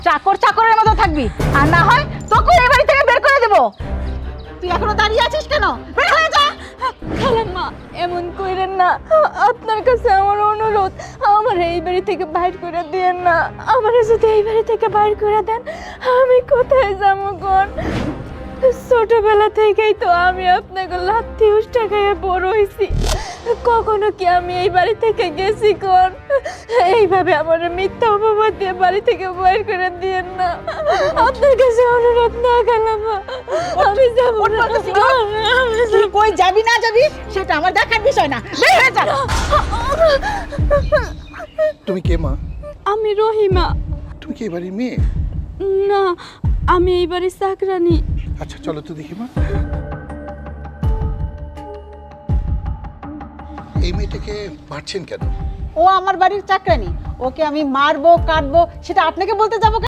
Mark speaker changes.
Speaker 1: চাকর চাকরের মতো থাকবি, আর না হয় তোকে এই বাড়ি থেকে বের করে দেব। তুই এখনো দাঁড়িয়ে আছিস কেন? বের হয়ে যা।
Speaker 2: খালাম্মা, এমন কইরেন না, আপনার কাছে আমার অনুরোধ, আমার এই বাড়ি থেকে বাইর করে দিয়েন না। আমার যদি এই বাড়ি থেকে বাইর করে দেন, আমি কোথায় যাবো কোন? ছোটবেলা থেকেই তো আমি আপনাকে লাথি উষ্টা খাইয়ে বড় হয়েছি, কখনো কি আমি এই বাড়ি থেকে গেছি কোন? এইভাবে আমার মিথ্যা অপবাদ দিয়ে বাড়ি থেকে বাইর করে দিয়েন না, আপনার কাছে অনুরোধ না খালাম্মা, আমি যাবো না।
Speaker 1: তুই কই যাবি না যাবি সেটা আমার দেখার বিষয় না, বের হয়ে যা।
Speaker 3: তুমি কে মা?
Speaker 2: আমি রহিমা।
Speaker 3: তুমি কি এবারে মেয়ে?
Speaker 2: না, আমি এই বাড়ির চাকরানি।
Speaker 3: আচ্ছা চলো তো দেখি মা। এই মেয়েটাকে মারছেন কেন?
Speaker 1: ও আমার বাড়ির চাকরানি, ওকে আমি মারবো কাটবো সেটা আপনাকে বলতে যাবো কেন?